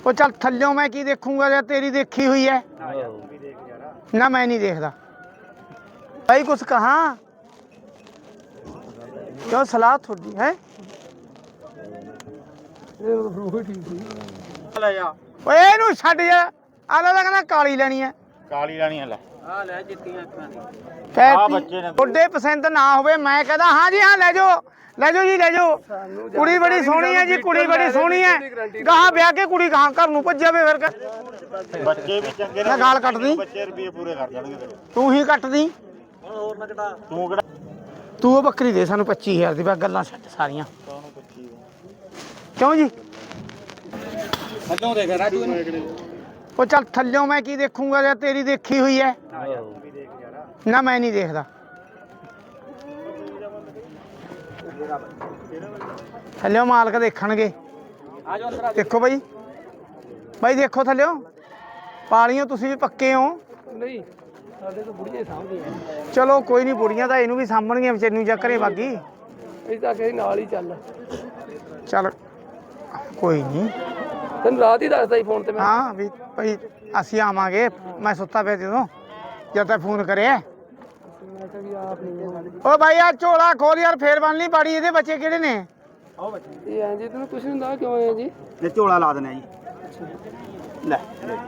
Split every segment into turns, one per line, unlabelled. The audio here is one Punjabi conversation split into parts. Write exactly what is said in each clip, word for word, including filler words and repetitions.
ਉਹ ਚੱਲ ਥੱਲਿਓਂ ਮੈਂ ਕੀ ਦੇਖੂੰਗਾ ਜੇ ਤੇਰੀ ਦੇਖੀ ਹੋਈ ਹੈ ਨਾ। ਮੈਂ ਨਹੀਂ ਦੇਖਦਾ ਭਾਈ ਕੁਛ ਕਹਾਂ ਕਿਉਂ ਸਲਾਹ ਤੁਹਾਡੀ ਹੈ। ਓਏ ਇਹਨੂੰ ਛੱਡ ਜਾ ਆਲਾ ਦਾ ਕਹਿੰਦਾ ਕਾਲੀ ਲੈਣੀ ਹੈ।
ਕਾਲੀ ਲੈਣੀ ਹੈ ਲੈ
ਆ ਲੈ ਜਿੱਤੀਆਂ ਅੱਖਾਂ ਦੀ
ਆ ਬੱਚੇ ਨੇ
ਤੁਹਾਡੇ ਪਸੰਦ ਨਾ ਹੋਵੇ ਮੈਂ ਕਹਿੰਦਾ ਹਾਂ ਜੀ ਹਾਂ ਲੈ ਜਾਓ ਲੈ ਜਾਓ ਜੀ ਲੈ ਜਾਓ। ਕੁੜੀ ਬੜੀ ਸੋਹਣੀ ਹੈ ਜੀ ਕੁੜੀ ਬੜੀ ਸੋਹਣੀ ਹੈ। ਗਾਹਾਂ ਵਿਆਹ ਕੇ ਕੁੜੀ ਗਾਹਾਂ ਘਰ ਨੂੰ ਭੱਜ ਜਾਵੇ ਫਿਰ
ਬੱਚੇ ਵੀ ਚੰਗੇ
ਮੈਂ ਗਾਲ ਕੱਟਦੀ
ਬੱਚੇ ਰੁਪਏ ਪੂਰੇ ਕਰ ਜਾਣਗੇ ਤੇਰੇ।
ਤੂੰ ਹੀ ਕੱਟਦੀ
ਹੋਰ ਨਾ ਘਟਾ
ਤੂੰ ਕਿਹੜਾ
ਤੂੰ ਉਹ ਬੱਕਰੀ ਦੇ ਸਾਨੂੰ ਪੱਚੀ ਹਜ਼ਾਰ ਦੀ ਬਸ ਗੱਲਾਂ ਛੱਡ ਸਾਰੀਆਂ ਕਿਉਂ ਜੀ।
ਥੱਲੋਂ ਦੇਖ ਰਾਜੂ
ਉਹ ਚੱਲ ਥੱਲਿਓਂ ਮੈਂ ਕੀ ਦੇਖੂੰਗਾ ਜੇ ਤੇਰੀ ਦੇਖੀ ਹੋਈ ਹੈ ਨਾ। ਮੈਂ ਨਹੀਂ ਦੇਖਦਾ ਥੱਲਿਓਂ ਮਾਲਕ ਦੇਖਣਗੇ।
ਆ ਜਾਓ ਅੰਦਰ
ਦੇਖੋ ਬਾਈ ਬਾਈ ਦੇਖੋ ਥੱਲਿਓਂ ਪਾਲੀਓ ਤੁਸੀਂ ਵੀ ਪੱਕੇ ਹੋ।
ਨਹੀਂ ਸਾਡੇ ਤੋਂ ਬੁੜੀਆਂ ਸਾਹਮਣੇ
ਚਲੋ ਕੋਈ ਨਹੀਂ ਬੁੜੀਆਂ ਤਾਂ ਇਹਨੂੰ ਵੀ ਸਾਂਭਣਗੀਆਂ ਵਿਚਾਰੀ ਨੂੰ ਜਾਂ ਘਰੇ ਬਾਗੀ।
ਅਸੀਂ ਤਾਂ ਕਹੇ ਨਾਲ ਹੀ ਚੱਲ
ਚੱਲ ਕੋਈ ਨਹੀਂ
ਤੈਨੂੰ ਰਾਤ ਹੀ ਦੱਸਦਾ ਸੀ ਫੋਨ ਤੇ ਮੈਂ
ਹਾਂ ਵੀ ਭਾਈ ਅਸੀਂ ਆਵਾਂਗੇ ਮੈਂ ਸੁੱਤਾ ਪਿਆ ਜਦੋਂ ਜਦ ਤੱਕ ਫੋਨ ਕਰਿਆ।
ਮੈਂ ਕਿਹਾ ਵੀ ਆਪ ਨਹੀਂ
ਓ ਭਾਈ ਆ ਝੋਲਾ ਖੋਲ ਯਾਰ ਫੇਰ ਬਣ ਲਈ ਬਾੜੀ। ਇਹਦੇ ਬੱਚੇ ਕਿਹੜੇ ਨੇ।
ਆਓ ਬੱਚੇ ਇਹ ਐਂ ਜੀ ਤੈਨੂੰ ਕੁਛ ਨਹੀਂ ਹੁੰਦਾ ਕਿਉਂ ਆਏ ਜੀ
ਇਹ ਝੋਲਾ ਲਾ ਦੇਣਾ ਜੀ ਲੈ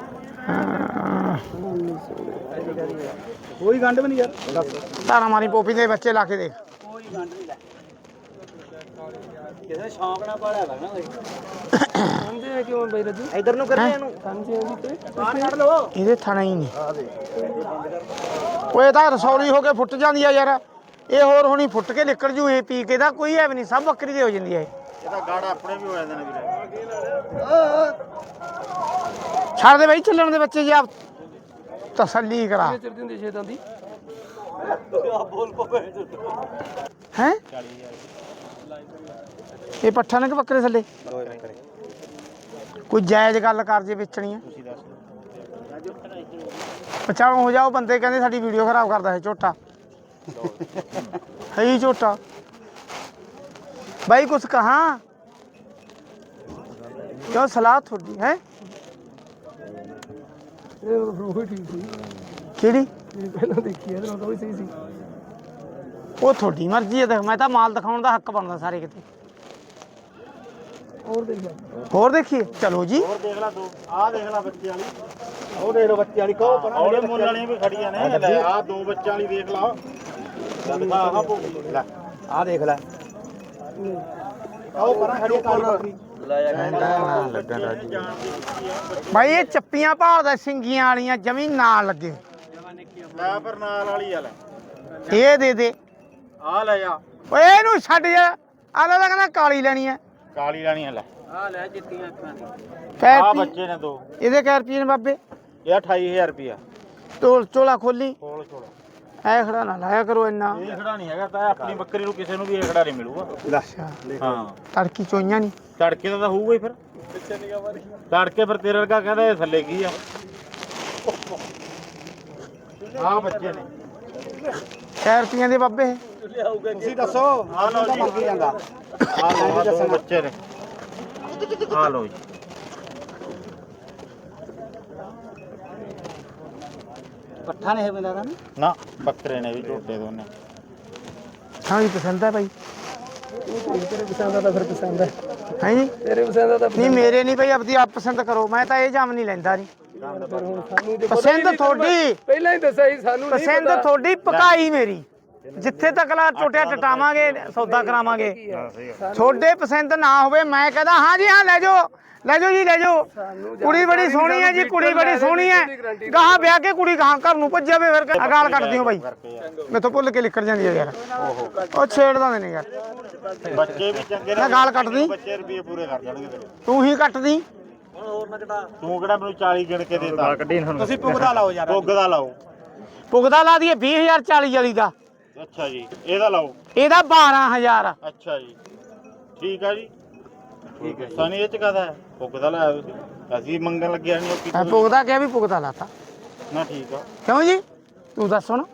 ਕੋਈ ਗੰਢ ਵੀ ਨਹੀਂ ਯਾਰ
ਧਾਰਾ ਮਾਰੀ ਪੋਪੀ ਦੇ ਬੱਚੇ ਲਾ ਕੇ ਦੇਖ।
ਕੋਈ ਗੰਢ ਨਹੀਂ ਲੈ ਕਿਸੇ ਸ਼ੌਂਕ ਨਾਲ ਪਾਲਿਆ ਕਰਨਾ ਕੋਈ ਸਮਝੇ ਕਿਉਂ ਬਈ ਰੱਜੂ
ਇਧਰ ਨੂੰ ਕਰਨੇ ਇਹਨੂੰ
ਸਮਝੇ ਜੀ ਤੇ
ਬਾਹਰ ਕੱਢ ਲਓ।
ਇਹਦੇ ਥਾਣਾ ਹੀ ਨਹੀਂ ਓਏ ਤਾਂ ਰਸੌਲੀ ਹੋ ਕੇ ਫੁੱਟ ਜਾਂਦੀ ਆ ਯਾਰ। ਇਹ ਹੋਰ ਹੁਣੀ ਫੁੱਟ ਕੇ ਨਿਕਲ ਜੂ ਇਹ ਪੀ ਕੇ ਦਾ ਕੋਈ ਹੈ ਵੀ ਨਹੀਂ ਸਭ ਬੱਕਰੀ ਦੇ ਹੋ ਜਾਂਦੀ ਹੈ।
ਇਹਦਾ ਗਾੜਾ ਆਪਣੇ ਵੀ ਹੋ ਜਾਂਦੇ ਨੇ ਵੀਰੇ।
ਛੱਡ ਦੇ ਬਾਈ ਚੱਲਣ ਦੇ ਬੱਚੇ ਜੀ ਆਪ ਤਸੱਲੀ ਕਰਾ
ਚਿਰਦੀ ਹੁੰਦੀ ਛੇਤਾਂ ਦੀ
ਹੈ। ਇਹ ਪੱਠਾ ਨੇ ਕਿ ਬੱਕਰੇ ਥੱਲੇ ਕੋਈ ਜਾਇਜ਼ ਗੱਲ ਕਰ ਜੇ ਵੇਚਣੀ ਹੈ। ਪਛਾਣ ਹੋ ਜਾਓ ਬੰਦੇ ਕਹਿੰਦੇ ਸਾਡੀ ਵੀਡੀਓ ਖਰਾਬ ਕਰਦਾ ਹੈ ਝੋਟਾ ਹੈ ਹੀ ਝੋਟਾ। ਬਾਈ ਕੁਛ ਕਹਾਂ ਕਿਉਂ ਸਲਾਹ ਤੁਹਾਡੀ ਹੈ
ਇਹ ਰੂਹ ਠੀਕ ਸੀ
ਕਿਹੜੀ
ਇਹ ਪਹਿਲਾਂ ਦੇਖੀ ਇਹਦੇ ਨਾਲ ਤਾਂ ਵੀ ਸਹੀ ਸੀ
ਉਹ ਤੁਹਾਡੀ ਮਰਜ਼ੀ ਹੈ। ਦੇਖ ਮੈਂ ਤਾਂ ਮਾਲ ਦਿਖਾਉਣ ਦਾ ਹੱਕ ਬਣਦਾ ਸਾਰੇ ਕਿਤੇ।
ਹੋਰ ਦੇਖ ਲੈ
ਹੋਰ ਦੇਖੀਏ ਚਲੋ ਜੀ।
ਹੋਰ ਦੇਖ ਲੈ ਦੋ ਆਹ ਦੇਖ ਲੈ ਬੱਚੇ ਵਾਲੀ ਉਹ ਦੇਖ ਲੋ ਬੱਚੇ ਵਾਲੀ ਕਹੋ ਪਰ ਉਹਦੇ ਮੁੱਲ ਵਾਲੀਆਂ ਵੀ ਖੜੀਆਂ ਨੇ ਲੈ ਆਹ ਦੋ ਬੱਚਿਆਂ ਵਾਲੀ ਦੇਖ ਲਾ ਦਿਖਾ ਆਹ ਭੋਗੀ ਲੈ ਆਹ ਦੇਖ ਲੈ ਆਹ ਪਰਾਂ ਖੜੀ ਕਾਲੀ ਬੱਕਰੀ
ਭਾਈ ਇਹ ਚੱਪੀਆਂ ਭਾਲਦਾ ਸਿੰਗੀਆਂ ਵਾਲੀਆਂ ਜਮੀ ਨਾਲ ਲੱਗੇ
ਲੈ ਪਰ ਨਾਲ ਵਾਲੀ ਆ ਲੈ
ਇਹ ਦੇ ਦੇ
ਆਹ ਲੈ ਜਾ
ਓਏ ਇਹਨੂੰ ਛੱਡ ਜਾ ਆਲਾ ਦਾ ਕਹਿੰਦਾ ਕਾਲੀ ਲੈਣੀ ਹੈ।
ਕਾਲੀ ਲੈਣੀ ਆ ਲੈ
ਆ ਲੈ ਜਿੱਤੀਆਂ ਅੱਖਾਂ ਦੀ
ਕਹਿ
ਆਹ
ਤੀ
ਬੱਚੇ ਨੇ ਦੋ
ਇਹਦੇ ਕਹਿ ਰੁਪਏ ਨੇ ਬਾਬੇ।
ਇਹ ਅਠਾਈ ਹਜ਼ਾਰ ਰੁਪਿਆ
ਢੋਲ ਝੋਲਾ ਖੋਲੀ
ਕੋਲ ਛੋੜ
ਐ ਖੜਾ ਨਾ ਲਾਇਆ ਕਰੋ ਇੰਨਾ।
ਇਹ ਖੜਾ ਨਹੀਂ ਹੈਗਾ ਤਾਂ ਆਪਣੀ ਬੱਕਰੀ ਨੂੰ ਕਿਸੇ ਨੂੰ ਵੀ ਇਹ ਖੜਾ ਨਹੀਂ ਮਿਲੂਗਾ।
ਅੱਛਾ
ਹਾਂ
ਤੜਕੀ ਚੋਈਆਂ ਨਹੀਂ
ਤੜਕੇ ਦਾ ਤਾਂ ਹੋਊਗਾ ਹੀ ਫਿਰ ਤੜਕੇ ਫਿਰ ਤੇਰੇ ਵਰਗਾ ਕਹਿੰਦਾ ਇਹ ਥੱਲੇ ਕੀ ਆ ਆਹ ਬੱਚੇ ਨੇ
ਕਹਿ ਰੁਪਈਆਂ ਦੇ ਬਾਬੇ।
ਤੁਸੀਂ ਦੱਸੋ ਆ ਲਓ ਜੀ ਕੀ ਜਾਂਦਾ ਆ ਲਓ ਦੱਸੋ ਬੱਚੇ ਨੇ ਆ ਲਓ ਜੀ
ਪੱਠਾ ਨੇ ਇਹ ਬੰਦਾ ਦਾ
ਨਾ ਬੱਕਰੇ ਨੇ ਵੀ ਝੋਟੇ ਦੋਨੇ
ਹਾਂ ਜੀ ਪਸੰਦ ਹੈ ਭਾਈ
ਤੇਰੇ ਪਸੰਦ ਦਾ ਤਾਂ ਫਿਰ ਪਸੰਦ ਹੈ
ਹੈ ਜੀ।
ਤੇਰੇ ਪਸੰਦ ਦਾ ਤਾਂ
ਨਹੀਂ ਮੇਰੇ ਨਹੀਂ ਭਾਈ ਆਪਦੀ ਆਪ ਪਸੰਦ ਕਰੋ ਮੈਂ ਤਾਂ ਇਹ ਜਾਮ ਨਹੀਂ ਲੈਂਦਾ ਨਹੀਂ।
ਫਿਰ ਹੁਣ ਸਾਨੂੰ ਤੇ
ਪਸੰਦ ਤੁਹਾਡੀ
ਪਹਿਲਾਂ ਹੀ ਦੱਸਿਆ ਸੀ ਸਾਨੂੰ ਨਹੀਂ
ਪਸੰਦ ਤੁਹਾਡੀ ਪਕਾਈ ਮੇਰੀ ਜਿੱਥੇ ਤੱਕ ਲਾ ਟੋਟਿਆ ਟਟਾਵਾਂਗੇ ਸੌਦਾ ਕਰਾਵਾਂਗੇ। ਤੁਹਾਡੇ ਪਸੰਦ ਨਾ ਹੋਵੇ ਮੈਂ ਕਹਿੰਦਾ ਹਾਂ ਜੀ ਹਾਂ ਲੈ ਜਾਓ ਲੈ ਜਾਓ ਜੀ ਲੈ ਜਾਓ। ਕੁੜੀ ਬੜੀ ਸੋਹਣੀ ਹੈ ਜੀ ਕੁੜੀ ਬੜੀ ਸੋਹਣੀ ਹੈ। ਗਾਹਾਂ ਵਿਆਹ ਕੇ ਕੁੜੀ ਗਾਹਾਂ ਘਰ ਨੂੰ ਭੱਜ ਜਾਵੇ ਫਿਰ ਗਾਲ ਕੱਢਦੀ ਹੋ ਬਾਈ ਮੈਥੋਂ ਭੁੱਲ ਕੇ ਨਿਕਲ ਜਾਂਦੀ ਹੈ ਯਾਰ। ਉਹ ਛੇੜਦਾ ਨੇ ਯਾਰ
ਬੱਚੇ ਵੀ ਚੰਗੇ
ਮੈਂ ਗਾਲ ਕੱਢਦੀ
ਬੱਚੇ ਰੁਪਏ ਪੂਰੇ ਕਰ ਜਾਣਗੇ ਤੇਰੇ।
ਤੂੰ ਹੀ ਕੱਟਦੀ
ਹੋਰ ਨਾ ਘਟਾ
ਤੂੰ ਕਿਹੜਾ ਮੈਨੂੰ ਚਾਲੀ ਗਿਣ ਕੇ ਦੇਤਾ ਤੁਸੀਂ ਪੁੱਗਦਾ ਲਾਓ ਯਾਰ ਪੁੱਗਦਾ ਲਾਓ
ਪੁਗਦਾ ਲਾ ਦਈਏ ਵੀਹ ਹਜ਼ਾਰ ਚਾਲੀ ਵਾਲੀ ਦਾ।
ਅੱਛਾ ਜੀ ਇਹਦਾ ਲਾਓ
ਇਹਦਾ ਬਾਰਾਂ ਹਜ਼ਾਰ।
ਅੱਛਾ ਜੀ ਠੀਕ ਆ ਜੀ ਠੀਕ ਹੈ ਸਨੀ ਇਹ ਚ ਕਹਦਾ ਹੈ ਪੁੱਗਦਾ ਲਾਇਆ ਤੁਸੀਂ ਅਸੀਂ ਮੰਗਣ ਲੱਗਿਆ ਨਹੀਂ
ਮੈਂ ਪੁਗਦਾ ਕਿਹਾ ਵੀ ਪੁਗਦਾ ਲਾਤਾ
ਨਾ ਠੀਕ ਆ
ਕਿਉਂ ਜੀ ਤੂੰ ਦੱਸ ਹੁਣ।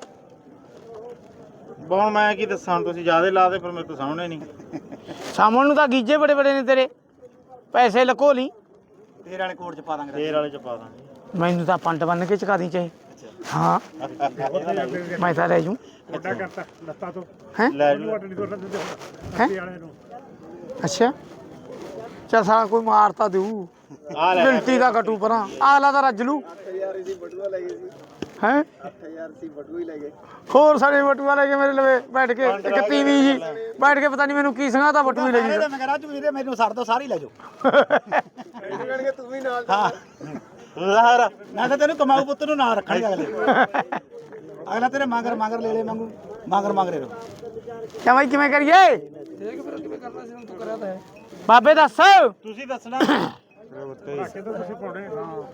ਹੁਣ ਮੈਂ ਕੀ ਦੱਸਾਂ ਤੁਸੀਂ ਜਿਆਦੇ ਲਾ ਦੇ ਫਿਰ ਮੇਰੇ ਤੋਂ ਸਾਹਮਣੇ ਨਹੀਂ
ਸਾਹਮਣ ਨੂੰ ਤਾਂ ਗੀਜੇ ਬੜੇ ਬੜੇ ਨੇ ਤੇਰੇ ਪੈਸੇ ਲਕੋ ਲਈ
ਤੇਰੇ ਵਾਲੇ ਕੋਟ ਚ ਪਾ ਦਾਂਗੇ ਤੇਰੇ ਵਾਲੇ ਚ ਪਾ ਦਾਂਗੇ
ਮੈਨੂੰ ਤਾਂ ਪੰਡ ਬੰਨ ਕੇ ਚਕਾ ਦੀ ਚਾਹੇ ਹਾਂ ਮੈਂ ਤਾਂ ਲੈ ਜੂ
ਵੱਡਾ ਕਰਤਾ ਲੱਤਾਂ ਤੋਂ
ਹੈ
ਲੈ ਜੂ
ਵੱਟ ਨਹੀਂ ਕਰਨਾ ਦਿੰਦੇ
ਹੈਂ?
ਅੱਗੇ ਵਾਲੇ ਨੂੰ
ਅੱਛਾ ਚੱਲ ਸਾਲਾ ਕੋਈ ਮਾਰਤਾ ਦੇਊ
ਆ ਲੈ
ਗਿਣਤੀ ਦਾ ਕਟੂ ਪਰਾਂ ਆਲਾ ਦਾ ਰੱਜ ਲੂ
ਯਾਰ ਇਹਦੀ ਬਟੂਆ ਲੈ ਗਏ ਸੀ
ਹੈ
ਅੱਠ ਹਜ਼ਾਰ ਸੀ ਬਟੂਆ ਹੀ ਲੈ ਗਏ
ਹੋਰ ਸਾਡੇ ਬਟੂਆ ਲੈ ਕੇ ਮੇਰੇ ਲਵੇ ਬੈਠ ਕੇ ਇੱਕ ਤੀਵੀਂ ਜੀ ਬੈਠ ਕੇ ਪਤਾ ਨਹੀਂ ਮੈਨੂੰ ਕੀ ਸੰਗਾ ਤਾਂ ਬਟੂਆ ਹੀ ਲੈ ਜੀ
ਮੈਂ ਕਹ ਰਾਜੂ ਵੀਰੇ ਮੈਨੂੰ ਛੱਡ ਦੋ ਸਾਰੀ ਲੈ ਜਾਓ
ਇਹਨੂੰ ਕਹਿਣਗੇ ਤੂੰ ਵੀ ਨਾਲ
ਹਾਂ ਲਾਹਰ ਮੈਂ ਤਾਂ ਤੈਨੂੰ ਕਮਾਊ ਪੁੱਤ ਨੂੰ ਨਾਲ ਰੱਖਣੀ ਅਗਲੇ ਅਗਲਾ ਤੇਰੇ ਮਗਰ ਮਗਰ ਲੈ ਲੈ ਮੰਗੂ ਮਗਰ ਮਗਰੇ ਰੋ
ਕਿਆ ਬਾਈ ਕਿਵੇਂ ਕਰੀਏ
ਦੇਖ ਫਿਰ ਕਿਵੇਂ ਕਰਨਾ ਸੀ ਹੁਣ ਤੂੰ ਕਰਿਆ ਤਾਂ ਹੈ
ਬਾਬੇ ਦੱਸ
ਤੁਸੀਂ ਦੱਸਣਾ
ਧਾਕੇ ਤਾਂ ਤੁਸੀਂ ਪਾਉਣੇ ਹਾਂ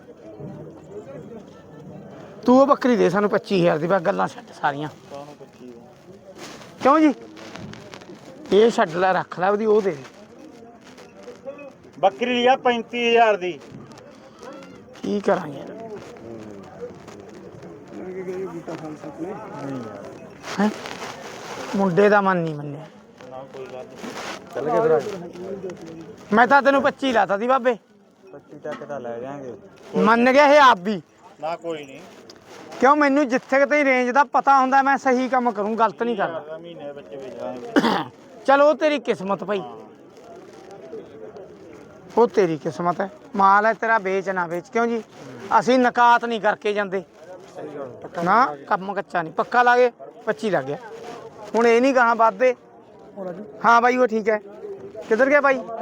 ਤੂੰ ਉਹ ਬੱਕਰੀ ਦੇ ਸਾਨੂੰ ਪੱਚੀ ਹਜ਼ਾਰ ਦੀ ਬਸ ਗੱਲਾਂ ਛੱਡ ਸਾਰੀਆਂ ਕਿਉਂ ਜੀ ਇਹ ਛੱਡ ਲੈ ਰੱਖ ਲੈ ਉਹਦੀ ਉਹ ਦੇ ਦੇ
ਬੱਕਰੀ ਲਈ ਆ ਪੈਂਤੀ ਹਜ਼ਾਰ ਦੀ
ਕੀ ਕਰਾਂਗੇ ਹੈਂ? ਮੁੰਡੇ ਦਾ ਮਨ ਨਹੀਂ ਮੰਨਿਆ
ਨਾ ਕੋਈ ਗੱਲ
ਚੱਲ ਕੇ ਫਿਰ
ਮੈਂ ਤਾਂ ਤੈਨੂੰ ਪੱਚੀ ਲਾਤਾ ਦੀ ਬਾਬੇ
ਪੱਚੀ ਤੱਕ ਤਾਂ ਲੈ ਜਾਾਂਗੇ
ਮੰਨ ਗਿਆ ਇਹ ਆਪ ਵੀ
ਨਾ ਕੋਈ ਨਹੀਂ
ਕਿਉਂ ਮੈਨੂੰ ਜਿੱਥੇ ਕਿਤੇ ਰੇਂਜ ਦਾ ਪਤਾ ਹੁੰਦਾ ਮੈਂ ਸਹੀ ਕੰਮ ਕਰੂੰ ਗਲਤ ਨਹੀਂ ਕਰਦਾ
ਮਹੀਨੇ ਵਿੱਚ ਵੇਚਾਂਗੇ
ਚਲ ਉਹ ਤੇਰੀ ਕਿਸਮਤ ਭਾਈ ਉਹ ਤੇਰੀ ਕਿਸਮਤ ਹੈ ਮਾਲ ਹੈ ਤੇਰਾ ਵੇਚ ਨਾ ਵੇਚ ਕਿਉਂ ਜੀ ਅਸੀਂ ਨਕਾਤ ਨਹੀਂ ਕਰਕੇ ਜਾਂਦੇ ਨਾ ਕੰਮ ਕੱਚਾ ਨਹੀਂ ਪੱਕਾ ਲਾ ਗਏ ਪੱਚੀ ਲੱਗ ਗਿਆ ਹੁਣ ਇਹ ਨਹੀਂ ਕਹਾਂ ਵੱਧਦੇ ਹਾਂ ਬਾਈ ਉਹ ਠੀਕ ਹੈ ਕਿੱਧਰ ਗਿਆ ਬਾਈ